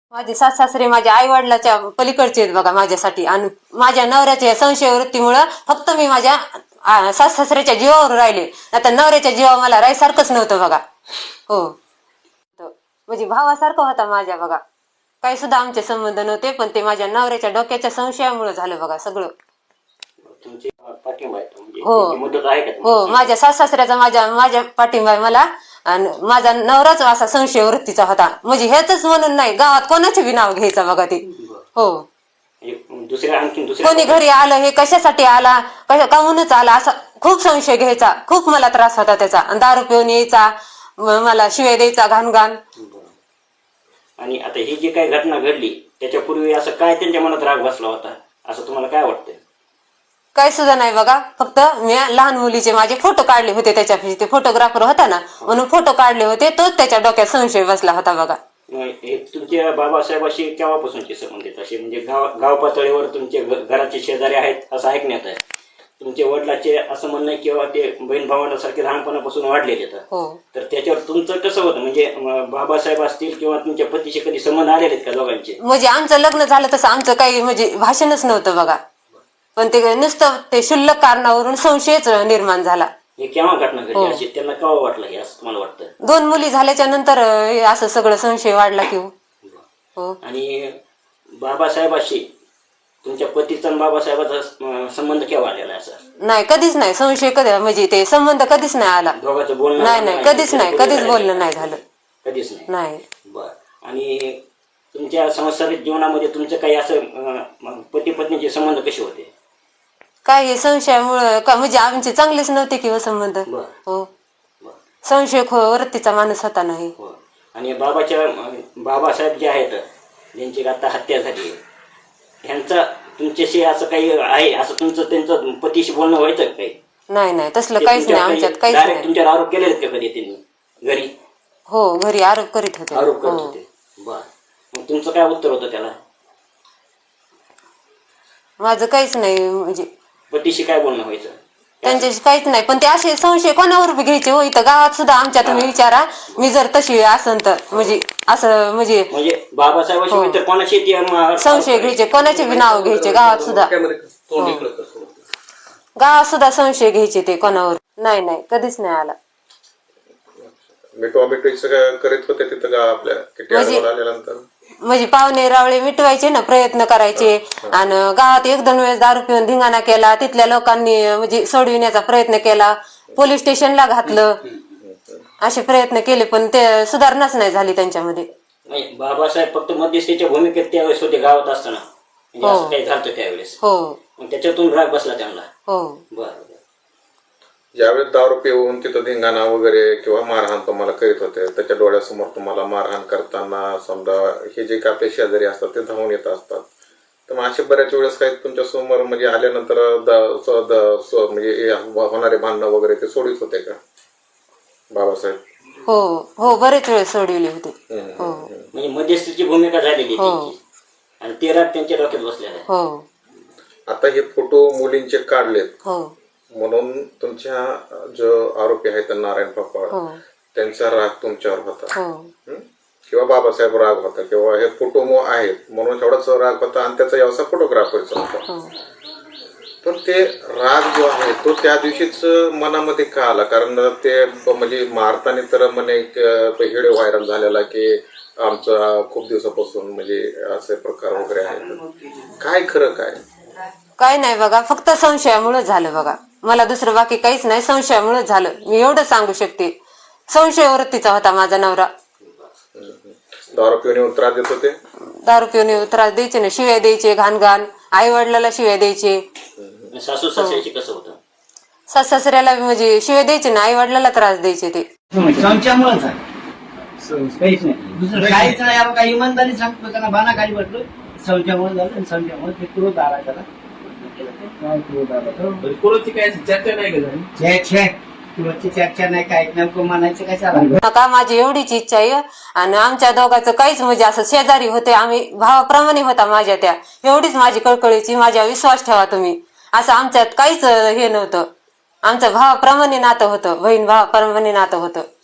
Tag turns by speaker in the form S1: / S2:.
S1: माझे सासरे माझ्या आई वडिलाच्या पलीकडचे आहेत बघा माझ्यासाठी. आणि माझ्या नवऱ्याच्या संशय वृत्तीमुळं फक्त मी माझ्या सासऱ्याच्या जीवावर राहिले. आता नवऱ्याच्या जीवावर मला राहायसारखंच नव्हतं बघा. हो, म्हणजे भावासारखं होता माझ्या बघा. काही सुद्धा आमचे संबंध नव्हते, पण ते माझ्या नवऱ्याच्या डोक्याच्या संशयामुळे झालं बघा सगळं. हो, माझ्या सासऱ्याचा माझ्या पाठिंबा आहे मला. आणि माझा नवराच असा संशय वृत्तीचा होता. म्हणजे हेच म्हणून नाही, गावात कोणाचे बी नाव घ्यायचं बघा ते. हो, कोणी घरी आलं हे कशासाठी आला, काहूनच आला असा खूप संशय घ्यायचा. खूप मला त्रास होता त्याचा. आणि दारू पिऊन यायचा, मला शिवाय द्यायचा घाण घाण.
S2: आणि आता ही जी काही घटना घडली त्याच्यापूर्वी असं काय त्यांच्या मनात राग बसला होता असं तुम्हाला काय वाटतं?
S1: काय सुद्धा नाही बघा. फक्त मी लहान मुलीचे माझे फोटो काढले होते, त्याच्यापाशी ते फोटोग्राफर होता ना, म्हणून फोटो काढले होते. तोच त्याच्या डोक्यात संशय बसला होता बघा.
S2: हे तुमच्या बाबासाहेबाशी केव्हापासूनचे संबंध आहेत असे? म्हणजे गाव पातळीवर तुमचे घराचे शेजारी आहेत असं ऐकण्यात आहे. तुमच्या वडिलाचे असं म्हणणं किंवा ते बहीण भावांसारखे लहानपणापासून वाढलेले आहेत. तर त्याच्यावर तुमचं कसं होतं? म्हणजे बाबासाहेब असतील किंवा तुमच्या पतीशी कधी संबंध आलेले आहेत का दोघांचे?
S1: म्हणजे आमचं लग्न झालं तसं आमचं काही म्हणजे भाषणच नव्हतं बघा. पण ते नुसतं ते क्षुल्लक कारणावरून संशयच निर्माण झाला.
S2: हे केव्हा घटना घडली अशी त्यांना केव्हा वाटलं हे असं तुम्हाला वाटतं?
S1: 2 मुली झाल्याच्या नंतर असं सगळं संशय वाढला की हो.
S2: आणि बाबासाहेबाशी तुमच्या पतीचा आणि बाबासाहेबाचा संबंध केव्हा आलेला आहे? असं
S1: नाही, कधीच नाही. संशय कधी म्हणजे ते संबंध कधीच नाही आला.
S2: दोघांचं बोलणं
S1: नाही, कधीच नाही, कधीच बोलणं नाही झालं.
S2: कधीच
S1: नाही.
S2: बर. आणि तुमच्या सांसारिक जीवनामध्ये तुमचं काही असं पती पत्नीचे संबंध कसे होते?
S1: काय हे संशयामुळं म्हणजे आमचे चांगलेच नव्हते किंवा संबंध. हो, संशय वृत्तीचा माणूस होता नाही.
S2: आणि बाबासाहेब जे आहेत ज्यांची आता हत्या झाली, ह्यांचा तुमच्याशी असं काही आहे असं तुमचं त्यांचं पतीशी बोलणं व्हायचं काही?
S1: नाही, तसलं काहीच नाही आमच्यात. काहीच नाही.
S2: तुमच्यावर आरोप केले का कधी त्यांनी घरी?
S1: हो, घरी आरोप करीत होते.
S2: बर. मग तुमचं काय उत्तर होतं त्याला?
S1: माझं काहीच नाही. म्हणजे
S2: पतीशी काय बोलणं व्हायचं?
S1: त्यांच्याशी काहीच नाही. पण ते असे संशय कोणावर बी घ्यायचे हो. इथं गावात सुद्धा आमच्या तुम्ही विचारा, मी जर तशी असन तर म्हणजे असं म्हणजे
S2: बाबासाहेबाशी इतर कोणाशी
S1: संशय घ्यायचे, कोणाचे बी नाव घ्यायचे गावात सुद्धा. गावात सुद्धा संशय घ्यायचे ते कोणावर. नाही, कधीच नाही आला.
S3: करीत होते तिथं आपल्या
S1: म्हणजे पाहुणे रावळे मिटवायचे ना, प्रयत्न करायचे. आणि गावात 1-2 वेळेस दारू पिऊन धिंगाणा केला. तिथल्या लोकांनी म्हणजे सोडविण्याचा प्रयत्न केला, पोलीस स्टेशनला घातलं, असे प्रयत्न केले, पण ते सुधारणाच नाही झाली त्यांच्यामध्ये.
S2: बाबासाहेब फक्त मध्यस्थीच्या भूमिकेत त्यावेळेस होते गावात असताना, असं काही झालं त्यावेळेस.
S1: हो,
S2: त्याच्यातून राग बसला त्यांना.
S1: हो.
S2: बरं.
S3: ज्यावेळेस दारू पिऊन तिथं धिंगाणा वगैरे किंवा मारहाण तुम्हाला करीत होते, त्याच्या डोळ्यासमोर तुम्हाला मारहाण करताना समजा हे जे काय आपले शेजारी असतात ते धावून येत असतात, तर मग असे बऱ्याच वेळेस काही तुमच्या समोर म्हणजे आल्यानंतर म्हणजे होणारे भांडणं वगैरे ते सोडित होते का बाबासाहेब?
S1: हो, बरेच वेळ सोडविले होते.
S2: म्हणजे मध्यस्थीची भूमिका झालेली आणि ते राग त्यांच्या डोक्यात बसलेला आहे.
S1: हो.
S3: आता हे फोटो मुलींचे काढलेत.
S1: हो.
S3: म्हणून तुमच्या जो आरोपी आहेत नारायण पापा, त्यांचा राग तुमच्यावर होता किंवा बाबासाहेब राग होता किंवा हे फोटो आहेत म्हणून एवढाच राग होता आणि त्याचा व्यवसाय फोटोग्राफरचा होता. पण ते राग जो आहे तो त्या दिवशीच मनामध्ये का आला? कारण ते म्हणजे मारताना तर म्हणे व्हिडिओ व्हायरल झालेला की आमचा खूप दिवसापासून म्हणजे असे प्रकार वगैरे आहेत. काय खरं काय
S1: नाही बघा, फक्त संशयामुळे झालं बघा. मला दुसरं बाकी काहीच नाही, संशयामुळे झालं. मी एवढं सांगू शकते. संशय वृत्तीचा होता माझा नवरा.
S3: दारू पिऊन त्रास देत होते?
S1: दारू पिऊन त्रास द्यायचे ना, शिव्या द्यायचे घाण घाण. आई वडिलाला शिव्या द्यायचे.
S2: सासू सासऱ्याशी कसं होतं?
S1: सासऱ्याला म्हणजे शिव्या द्यायचे ना, आई वडिलाला त्रास द्यायचे ते.
S4: संशयामुळेच आहे, काहीच नाही, दुसरं काहीच नाही. आपण काही इमानदारी सांगतो त्यांना बाना खाली पडलो, संशयामुळे झालं. आणि संशयामुळे ते क्रोध आला त्याला.
S5: क्रोधची काय चर्चा नाही का झाली?
S4: क्रोधची चर्चा नाही, काय नेमकं म्हणायचं काय चाललं
S1: नका. माझी एवढीच इच्छा आहे. आणि आमच्या दोघांचं काहीच म्हणजे असं शेजारी होते आम्ही, भावाप्रमाणे होता माझ्या त्या. एवढीच माझी कळकळीची, माझ्या विश्वास ठेवा तुम्ही. असं आमच्यात काहीच हे नव्हतं. आमचं भावाप्रमाणे नातं होतं, बहीण भावाप्रमाणे नातं होतं.